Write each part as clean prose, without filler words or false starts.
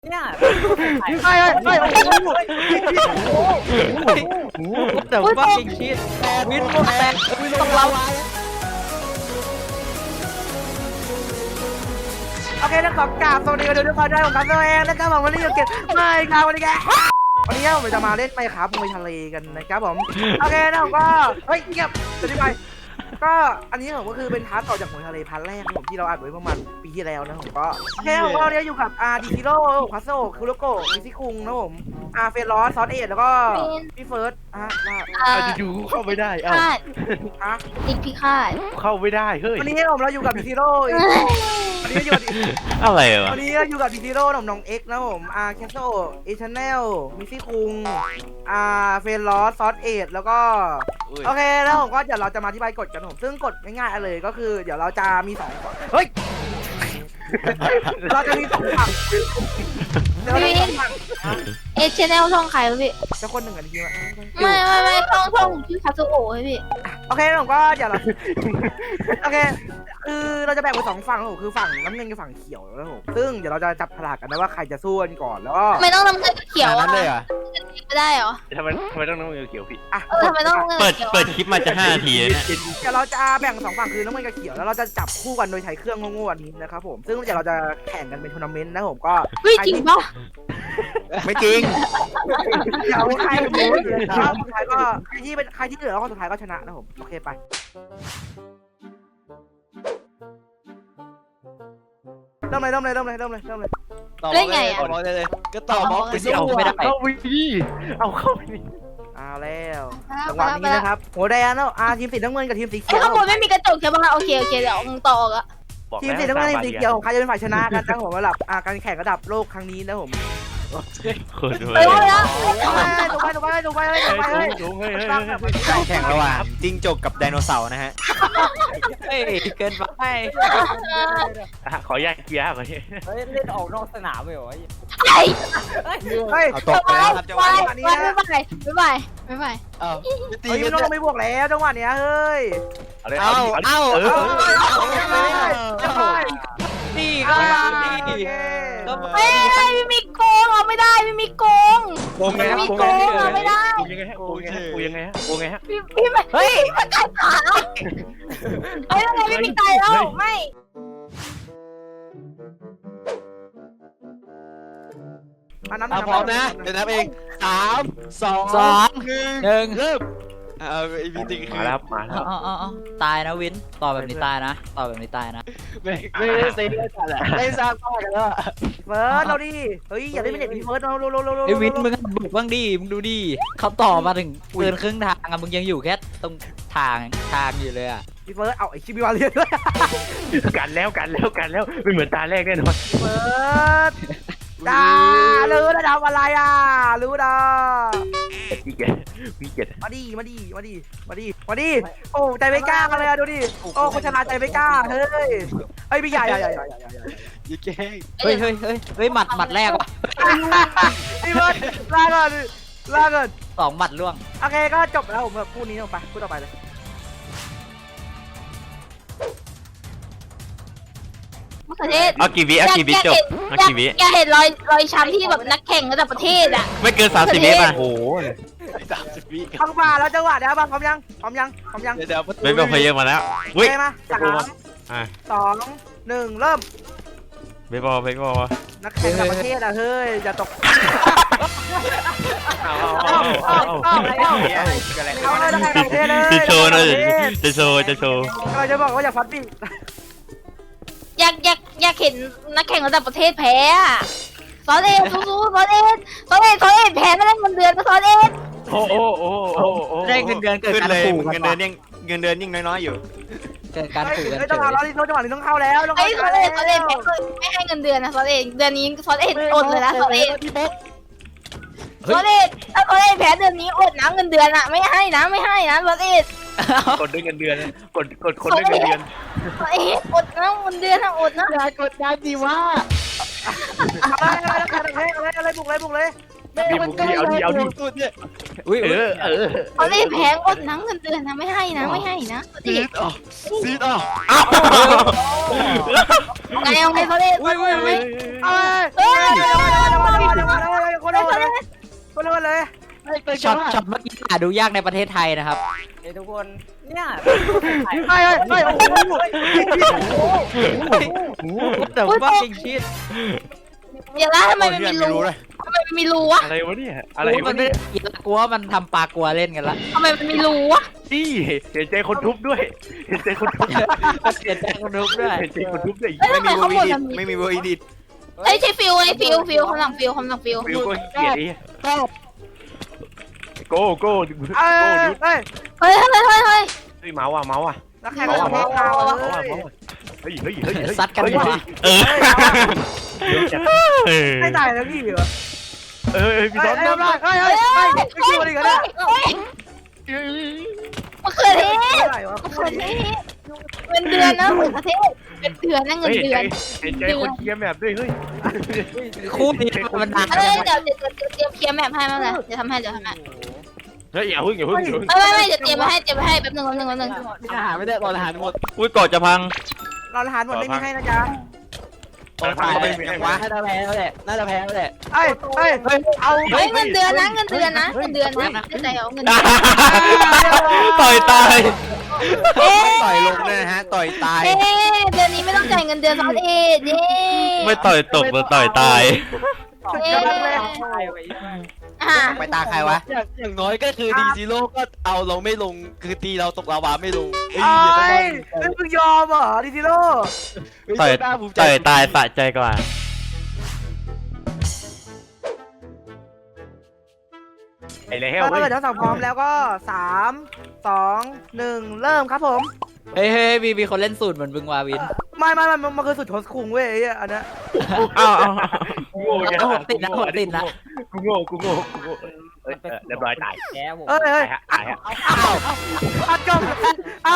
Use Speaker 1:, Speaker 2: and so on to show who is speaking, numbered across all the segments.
Speaker 1: เนี่ย
Speaker 2: ไม่แต่ว่าจริงชีสวินโมแตกต้องเรา
Speaker 1: โอเคนะขอกราบสวัสดีกันทุกคนด้วยผมกับตัวเองนะครับผมวันนี้อยู่เก็บไม่ครับวันนี้วันนี้ผมจะมาเล่นไปครับมวยทะเลกันนะครับผมโอเคนะผมก็เฮ้ยเงียบจะได้ไปก็อันนี้ผมก็คือเป็นพาร์ทต่อจากมวยทะเลพาร์ทแรกผมที่เราอัดไว้ประมาณปีที่แล้วนะผมก็โอเคผมก็เนี่ยอยู่กับดิคิโร่พัสโซคุโรโกะมิซิคุงนะผมเฟรลอสซอสเอทแล้วก็พี่เฟิร์ส
Speaker 3: อยู่เข้าไม่ได้เอ้า
Speaker 4: อีกพิฆาต
Speaker 3: เข้าไม่ได้เฮ้ย
Speaker 1: วันนี้เราอยู่กับดิคิโร่วันนี้อยู่
Speaker 5: อะไรวะ
Speaker 1: วันนี้เราอยู่กับดิคิโร่น้องเอ็กนะผมแคสโซเอชแนลมิซิคุงเฟรลอสซอสเอทแล้วก็โอเคแล้วผมก็เดี๋ยวเราจะมาอธิบายกฎกันผมซึ่งกฎง่ายๆเลยก็คือเดี๋ยวเราจะมี2เฮ้ยเราจะมี2ฝั่ง
Speaker 4: เอชแนลช่องใครวะพี่
Speaker 1: จะคนหนึ่งกันทีมั้ย
Speaker 4: ไม่ช่องชื่อคาซูโอะพี่
Speaker 1: โอเคผมก็เดี๋ยวเราโอเคคือเราจะแบ่งเป็น2ฝั่งผมคือฝั่งน้ำเงินกับฝั่งเขียวแล้วผมซึ่งเดี๋ยวเราจะจับฉลากกันนะว่าใครจะสู้กันก่อนแล้วก็
Speaker 4: ไม่ต้องน้ำเงินเขียวอ่ะไม่ได้เหรอ
Speaker 3: ทำไมต้องน้ำเงินเขียวพี่
Speaker 4: ทำไมต้อง
Speaker 5: เปิดคลิปมาจะ5 นาทีเนี่ย
Speaker 1: เดี๋ยวเราจะแบ่ง2ฝั่งคือน้ำเงินกับเขียวแล้วเราจะจับคู่กันโดยใช้เครื่องโง่ๆอันนี้นะครับผมซึ่งเดี๋ยวเราจะแข่งกันเป็นทัวร์นาเมนต์นะผมก็
Speaker 4: จริงปะ
Speaker 5: ไม่จริง
Speaker 1: เดี๋ยวใครเป็นแล้วสุดท้ายก็ใครที่เหลือแล้วสุดท้ายก็ชนะนะผมโอเคไปเริ่มเลย
Speaker 4: เล่นไงอ่ะ
Speaker 2: บอกเลยก็ต่อบล็อกไปสิเอาไม่ได้
Speaker 3: เข้าไปดิเอาเข้าไปดิ
Speaker 1: เอาแล้วจังหวะนี้นะครับโหแดนแล้วทีมสีน้ำเงินกับทีมสีเขียว
Speaker 4: ข้างบนไม่มีกระจกใช่ป่ะโอเคเดี๋ยวต่ออ่ะ
Speaker 1: ทีมสีน้ำเงินทีมสีเขียวของใครจะเป็นฝ่ายชนะกันนะผมระดับการแข่งระดับโลกครั้งนี้นะผม
Speaker 4: ไปแล้ว
Speaker 1: ถูกไป
Speaker 5: แข่งระหว่างจิ้งจกกับไดโนเสาร์นะฮะ
Speaker 2: เฮ้ยเกินไป
Speaker 3: ขอแยกเกียร์ก่อนนี่
Speaker 2: เล่นออกนอกสนามไปเหรอ
Speaker 5: เอาตกแล้วครับจังหวะ
Speaker 4: นี้ไม่
Speaker 1: ตีกันต้องไม่บวกแล้วจังหวะเนี้ยเฮ้ย
Speaker 2: นี่ก็
Speaker 4: ไม่มีโกงเอาไม่ได้ไม่มีโกงมีโกงเอาไม่ได้
Speaker 3: กูยังไงฮะ
Speaker 4: พี่ไม่เฮ้ยมันตายขาเฮ้ยทำไมไม่มีตายแล้วไม่
Speaker 5: พร้อมนะเดี๋ยวนับเอง3 2 1เริ่มไอพีติ
Speaker 3: มาแล้ว
Speaker 2: ตายนะวินต่อแบบนี้ตายนะ
Speaker 3: ไม่ได้เซ็ง
Speaker 5: ได้สร้างบ้านกันแล้ว
Speaker 1: เฟิร์สเราดิเฮ้ยอย่าได้ไม่เด็ดเฟิร์สเรา
Speaker 2: ไอวินมึงบุกบ้างดิมึงดูดิเขาต่อมาถึงเกินครึ่งทางอะมึงยังอยู่แค่ตรงทางอยู่เลยอะ
Speaker 1: พี่เฟิร์สเอาไอชิบิวาเรียนด้วย
Speaker 3: กันแล้วไม่เหมือนตาแรกแน่นอน
Speaker 1: เฟิร์สรู้ระดับอะไรรู้นะ
Speaker 3: พี่เกด
Speaker 1: มาดิโอ้ใจไม่กล้ากันเลยดูดิโอ้คนชนะใจไม่กล้าเฮ้ยพี่ใหญ่
Speaker 5: ยิ่งแก่
Speaker 2: เฮ้ยหมัดแรกว่ะ
Speaker 1: พี่เบิร์ดลาก่อน
Speaker 2: 2 หมัดล่วง
Speaker 1: โอเคก็จบแล้วผมพูดนี้ลงไปพูดต่อไปเลย
Speaker 5: เอากี่วิจบ
Speaker 4: อยากเห็นรอยช้ำที่แบบนักแข่งระดับประเทศอ่ะ
Speaker 5: ไม่เกิน30 วิป่ะโอ้โห
Speaker 3: 30 วิ
Speaker 1: เข้ามาแล้วจังหวะเดี๋ยวบ้างพร้อมยัง
Speaker 5: เดี๋ยวไม่เป็นเพลย์มาแล้ว
Speaker 1: วิ่งมา3 2 1เริ่ม
Speaker 5: ไม่พอ
Speaker 1: นักแข่งระดับประเทศเฮ้ยอย่าตก
Speaker 5: จะโชว์เลยจะโชว์
Speaker 1: เราจะบอกว่าอย่าฟัดดิ
Speaker 4: อยากเห็นนักแข่งระดับประเทศแพ้ซอสเอ็ดสู้ซอสเอ็ดแพ้ไม่ได้เงินเดือนก็ซอสเอ็ด
Speaker 3: โอ้
Speaker 2: ได้เงินเดือนเกิดการขู่
Speaker 5: เงินเดือนยิ่งน้อยอยู่
Speaker 2: เกิดการขู่กัน
Speaker 1: จังหวะนี้ต้องเข้าแล้ว
Speaker 4: ไอ้ซอสเอ็ดไม่ให้เงินเดือนนะซอสเอ็ดเดือนนี้ซอสเอ็ดอดเลยนะซอสเอ็ดถ้าซอสเอ็ดแพ้เดือนนี้อดนะเงินเดือนอ่ะไม่ให้นะซอสเอ็ด
Speaker 3: กดด้วยเงินเดือนกดคนด้วยเงินเดือน
Speaker 4: อดนะเงินเดือนอดนะ
Speaker 2: อย่ากดดันดิว่า
Speaker 1: อะไรบุกเลย
Speaker 3: ดีบุกดีเอาดิ
Speaker 5: สุดเนี่ย
Speaker 2: อุ้ย
Speaker 3: เออ
Speaker 4: ฟอสเอ็ดแพงอดนะเงินเดือนนะไม่ให้นะไม่ให้นะฟอส
Speaker 5: ซี
Speaker 4: เอ็ด
Speaker 5: ดอ่ะซีดอ่ะ
Speaker 4: ไงเอาไงฟอสเอ็ด
Speaker 2: อุ้ยอุ้ยอุ้ย
Speaker 1: เอ้ย
Speaker 4: เฮ้ย
Speaker 1: คนเลย
Speaker 2: ช็อตเมื่อกี้หาดูยากในประเทศไทยนะครับ
Speaker 6: เฮ้ยทุกคนเนี่ย
Speaker 1: ไม่โอ้โห
Speaker 2: แต่ว่าจริงชิด
Speaker 4: เดี๋ยวนะทำไมมันมีรูทำไมมันมีรูวะ
Speaker 3: อะไรวะเนี่ยอะไร
Speaker 2: มั
Speaker 3: วะ
Speaker 2: นไม่
Speaker 3: เนี่ย
Speaker 2: กลัวมันทำปลากลัวเล่นกันละ
Speaker 4: ทำไมมันมีรูวะ
Speaker 3: นี่เห็นใจคนทุบด้วยเห็นใจคนทุบ
Speaker 2: เสียใจคนดูด้วย
Speaker 3: เห็นใจคนทุบด้วย
Speaker 4: เอ้ยทำไมข้างบนมัน
Speaker 5: ไม่มีเวอร์อีดิท
Speaker 4: เอ้ยใช่ฟิวไอ้ฟิวข้างหลังฟิวข้างหลังฟิว
Speaker 3: ฟิวก็เกลียดไอ้โก้โก้
Speaker 1: เอ้ย
Speaker 4: เฮ้ยเฮ้ย
Speaker 3: เฮ้ยเมาส์อ่ะ
Speaker 1: แล้วแข่งกับเพลงเราเลย
Speaker 3: เฮ้ย
Speaker 2: ซัดกันว่ะ
Speaker 1: ไม่ตายแล้วพี่เหรอ
Speaker 3: พี่
Speaker 1: เฮ้
Speaker 3: ต้
Speaker 1: ย
Speaker 3: น
Speaker 1: เรียบร้อยเฮ้ยไม่คิวอะไรกันเนี่ย
Speaker 4: มะเขือเทศ
Speaker 1: อะไรวะ
Speaker 4: มะเขือเทศเงินเดือนนะมะเขือเทศเป็นเดือนนะเงินเดือน
Speaker 3: เห็นใจคนเชียร์แบบด้วยเฮ้ย
Speaker 2: คู่นี้มันนาน
Speaker 4: เอ้ยเดี๋ยวเตรียมเคลียร์แมพให้มาเลยเดี๋ยวทำให้
Speaker 3: เฮ้ยอย่าพึ่ง
Speaker 4: ไม่เดี๋ยวเตรียมมาให้แป๊บนึง
Speaker 5: อาหารไม่ได้รออาหารหมด
Speaker 7: อุ้ยกอดจะพัง
Speaker 1: เราอาหารหมดไม่มีให้นะจ๊ะ
Speaker 3: พังก็ไม่มีให้วะ
Speaker 5: น่าจะแพ้แล้วแหละน่าจะแพ้แล้วแหละ
Speaker 1: เฮ้ยเอา
Speaker 4: เฮ้ยเงินเดือนนะไม่ใจเอาเงินเดือน
Speaker 7: ต่อยตาย
Speaker 5: ต่อยลงเลยนะฮะต่อยตาย
Speaker 4: เอ๊เดือนนี้ไม่ต้องจ่ายเงินเดือนซอสเอ็ดเย้
Speaker 7: ไม่ต่อยตกแต่ต่อยตาย
Speaker 5: ไปตาใครวะอย่างน้อยก็คือดีซีโร่ก็เอาเราไม่ลงคือตีเราตกลาวาไม่ลง
Speaker 1: เอ้ยมึงยอมเหรอดิซิโร่
Speaker 7: ต่อยตายสะใจกว่า
Speaker 3: ไอ้แล้ว
Speaker 1: ถ้าเกิดทั้งสองพร้อมแล้วก็3 2 1เริ่มครับผม
Speaker 2: เฮ้ยมีคนเล่นสูตรเหมือนบึงวาวิน
Speaker 1: ไม่มันคือสุดโทสคุงเว้ยไอ้อันนี้
Speaker 7: อ้าว
Speaker 3: กูโง่
Speaker 2: ติดนะ
Speaker 3: กูโง่เรียบร้อยตาย
Speaker 6: แกผม
Speaker 1: เอ้ย
Speaker 3: ตายฮะ
Speaker 1: อัดกล้องอ้าว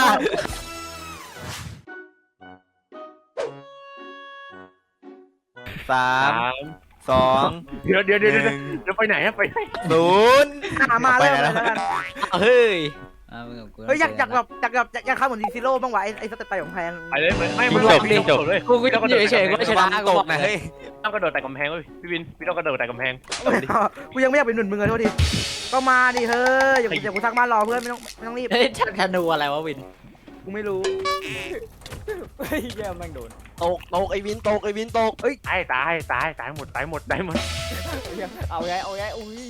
Speaker 5: 3 2
Speaker 3: เดี๋ยวไปไหนฮะไปไหน
Speaker 5: 0
Speaker 1: มาเริ่มเลยแล้วกัน
Speaker 2: เฮ้ย
Speaker 1: เฮ้ยอยากเข้าเหมือนดิซิโร่บ้างวะไอ้สเตปไปของแพง
Speaker 3: ไปเลยไม่เลย
Speaker 2: กูอยู่เฉยๆก็ชนะกู
Speaker 5: ต
Speaker 2: บอก
Speaker 5: กนะเฮ้ย
Speaker 3: ต้องกระโดดแต่กำแพงเว้ยพี่วินพี่ต้องกระโดดแต่กำแพง
Speaker 1: กูยังไม่อยากเป็นหนุนมึงเลยโทษทีก็มาดิเฮ้ยอย่ากูทักมารอเพื่อนไม่ต้องรีบ
Speaker 2: เฮ้ยธนูอะไรวะวิน
Speaker 1: กูไม่รู้
Speaker 6: เฮ้ยเยี่ยมแม่งโดน
Speaker 5: ตกไอ้วินตก
Speaker 3: ตายหมด
Speaker 6: เอาไงอุ้ย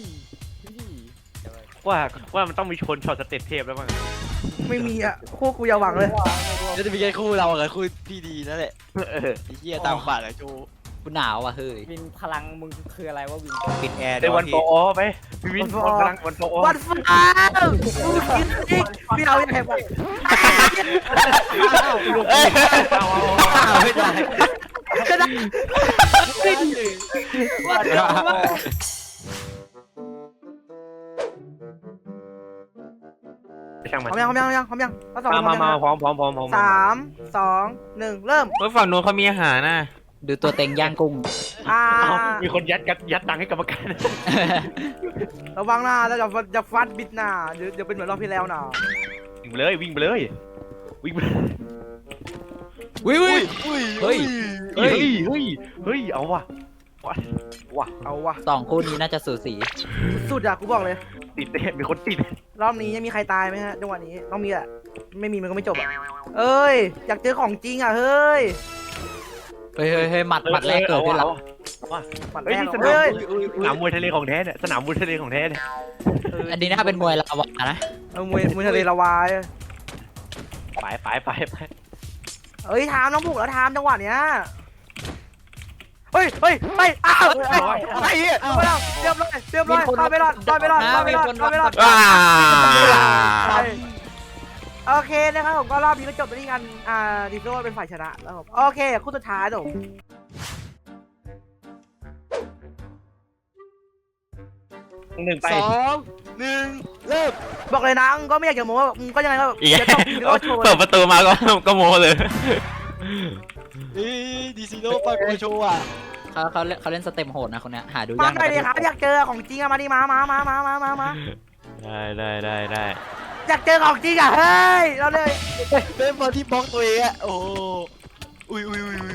Speaker 3: ว่ามันต้องมีชนช็อตสเต็ปเทพแล้วมั้ง
Speaker 1: ไม่มีอ่ะคู่กูอย่าหวังเลย
Speaker 5: จะมีแค่คู่เรากับคู่พี่ดีนั่นแหละไอ้เหี้ยตามปากไอ้โจ
Speaker 2: กูหนาวอ่ะเฮ้ย
Speaker 6: วินพลังมึงคืออะไรวะวิน
Speaker 5: ปิดแอร์
Speaker 3: ได้วันโปอไปพี่วินกำลังวันโปอ
Speaker 1: วันฟ้าพี่เอาอย่างไรบ้าง
Speaker 5: ไม่ได้
Speaker 1: ก็ได้
Speaker 3: ช่างมัน
Speaker 1: พร้อมยังก็สอง
Speaker 3: มาพร้อม
Speaker 1: 3 2 1เริ่ม
Speaker 7: เฮ้ยฝั่งนู้นเขามีอาหารนะ
Speaker 2: ดูตัวเต็งย่างกุ้ง
Speaker 3: มีคนยัดตังค์ให้กรรมการ
Speaker 1: ระวังนะแล้วจะฟัดบิดหน้าเดี๋ยวเป็นเหมือนรอบที่แล้วนะ
Speaker 3: วิ่งไปเลย
Speaker 2: วิว
Speaker 5: เฮ้ย
Speaker 3: เอาว่ะ
Speaker 1: เอาวะ
Speaker 2: สองคู่นี้น่าจะสูสี
Speaker 1: สุดอะกูบอกเลย
Speaker 3: ติดมีคนติด
Speaker 1: รอบนี้ยังมีใครตายไหมฮะจังหวะนี้ต้องมีแหละไม่มีมันก็ไม่จบอะเอ้ยอยากเจอของจริงอะเฮ้ย
Speaker 2: เฮ้ยหมัดแรกเกิดขึ้นแล้ว
Speaker 1: ปัด
Speaker 3: เฮ้ย
Speaker 1: แรก
Speaker 3: นี่
Speaker 1: เฮ้ย
Speaker 3: สนามมวยทะเลของแท้เนี่ยสนามมวยทะเลของแท้เนี่ย
Speaker 2: อันนี้น่าเป็นมวยลาวานะ
Speaker 1: เอามวยทะเลละวาย
Speaker 3: ไป
Speaker 1: เอ้ยทามน้องบุกแล้วทามจังหวะเนี้ยเฮ้ยอ้าวไอ้เหี้ยเรียบร้อยต่อยไปรอด
Speaker 7: ว้า
Speaker 1: โอเคนะครับผมก็รอบนี้ก็จบไปที่กันดิโซ่เป็นฝ่ายชนะแล้วผมโอเคคู่สุดท้ายผม
Speaker 3: 1 ไป
Speaker 5: 2 1เริ่ม
Speaker 1: บอกเลยนะก็ไม่อยากจะโม้มึงก็ยังไงก็
Speaker 7: อีก
Speaker 1: จะต้องดิโซ่โชว์
Speaker 7: เปิดประตูมาก็โมเลย
Speaker 5: ดีซีโร่ปากโชว์อ่ะ
Speaker 2: เขาเล่นสเต็มโหดนะคนเนี้ยหาดู
Speaker 1: มาย
Speaker 2: าก
Speaker 1: หน่อยดิครับอยากเจอของจริงอะมาดิมา
Speaker 7: ได้
Speaker 1: อยากเจอของจริงอะเฮ้ยเราเลย
Speaker 5: เป็นบอลที่บล็อกตัวเองอะโอ้อุ้ย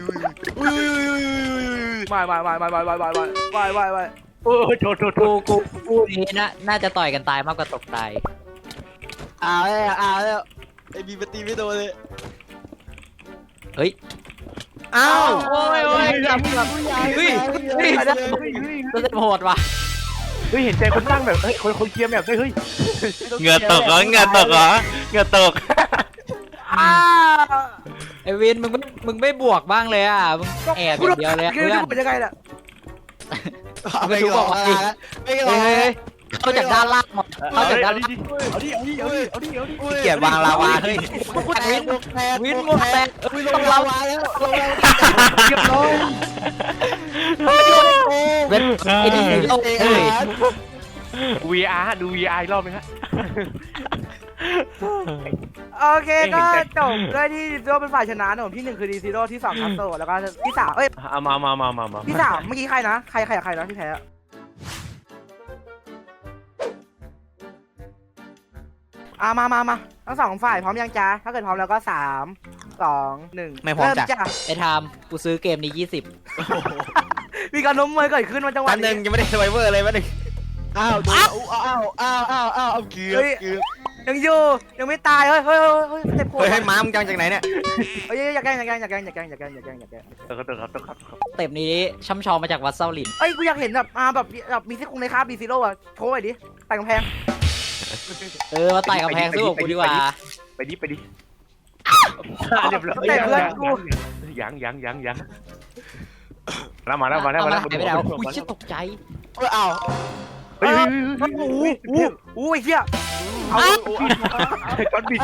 Speaker 1: ไม่
Speaker 3: โอ้โทษ
Speaker 2: กูนี้น่าจะต่อยกันตายมากกว่าตกตาย
Speaker 5: แล้วไอ้บีมันตีไม่โดนเลย
Speaker 2: เฮ้ย
Speaker 5: อ้าว
Speaker 2: โอ้ย
Speaker 5: เฮ้ย
Speaker 2: สเต็มโหดว่ะ
Speaker 3: เฮ้ยเห็นใจคนตั้งแบบเฮ้ยคนเคลียร์แบบเฮ้ย
Speaker 7: เหงื่อตกเหรอเหงื่อตกเหรอเหงื่อตก
Speaker 2: ไอวินมึงไม่บวกบ้างเลยอ่ะมึงแอบอย่างเดียวเลยเพื่อน
Speaker 1: พูดยังไงล่ะ
Speaker 5: ไม่หลอกไม่หลอก
Speaker 2: เฮ้ยเข้าจากด้านล่างหมดเข้าจากด้านล่าง
Speaker 3: เอาดิ
Speaker 2: เกียรวางลาวาเฮ้ยวินหมวกแตก
Speaker 5: ลงลาวาแล้วลงลาวาเรียบร้อย
Speaker 2: เว้นไอ้นี่โลกเฮ้ย
Speaker 3: VR ดู VR อีกรอบไหมฮะ
Speaker 1: โอเคก็จบด้วยที่ดีซิโร่เป็นฝ่ายชนะนะผมที่1คือดีซิโร่ที่2คัสโตแล้วก็ที่3เอ้ย
Speaker 3: เอามา
Speaker 1: ที่3เมื่อกี้ใครนะใครนะที่แพ้มาทั้ง2ฝ่ายพร้อมยังจ้าถ้าเกิดพร้อมแล้วก็3 2 1
Speaker 2: ไม่พร้อม
Speaker 1: เริ่
Speaker 2: จ้ะไอ้ไทม์กูซื้อเกมนี้20
Speaker 1: มีการล้มมวยเกิดขึ้นมาจังหวะ
Speaker 5: อันหนึ่งยังไม่ได้ไวเวอร์เลยวันหนึ่งอ้าวเกือบ
Speaker 1: ยังอยู่ยังไม่ตายเฮ้ยสเต็ปโคตร
Speaker 5: ให้ม้ามึงจังจากไหนเนี่ย
Speaker 1: เฮ้ยอย่าแกล้ง
Speaker 3: ครับ
Speaker 2: สเต็ปนี้ช่ำชองมาจากวัดเซาหลิน
Speaker 1: เอ้ยกูอยากเห็นแบบมีซี่โครงในคราบดีซิโร่อะโชว์หน่อยดิแต่งกำแพง
Speaker 2: มาไต่กำแพงสู้กับกูดีกว่า
Speaker 3: ไปดิเรียบร้อยยังแล้วมาแล้ว
Speaker 2: หายไปแล้วอุ้ยชิตกใจ
Speaker 5: อ้าว
Speaker 3: เฮ้ย
Speaker 1: โอ้ยเฮีย
Speaker 3: ก้อนบิด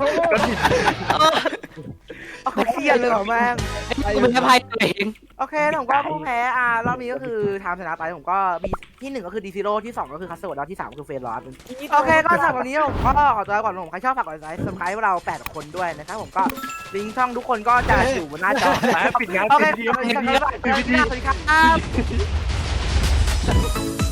Speaker 1: เอาเครียดเลยเหรอแม่ง
Speaker 2: กูเป็นภัยตัวเอง
Speaker 1: โอเคผมก็ผู้แพ้รอบนี้ก็คือไทม์ชนะไปผมก็มีที่1ก็คือดีซิโร่ที่2ก็คือคัสโตแล้วที่3ก็คือเฟรนลอสโอเคก็สำหรับวันนี้ผมก็ขอตัวก่อนผมใครชอบฝากกดไลค์สมัครเรา8คนด้วยนะครับผมก็ลิงก์ช่องทุกคนก็จะอยู่บนหน้าจอ
Speaker 3: ปิดงาน
Speaker 1: โอเค
Speaker 3: ปิด
Speaker 1: สวัสดีครับ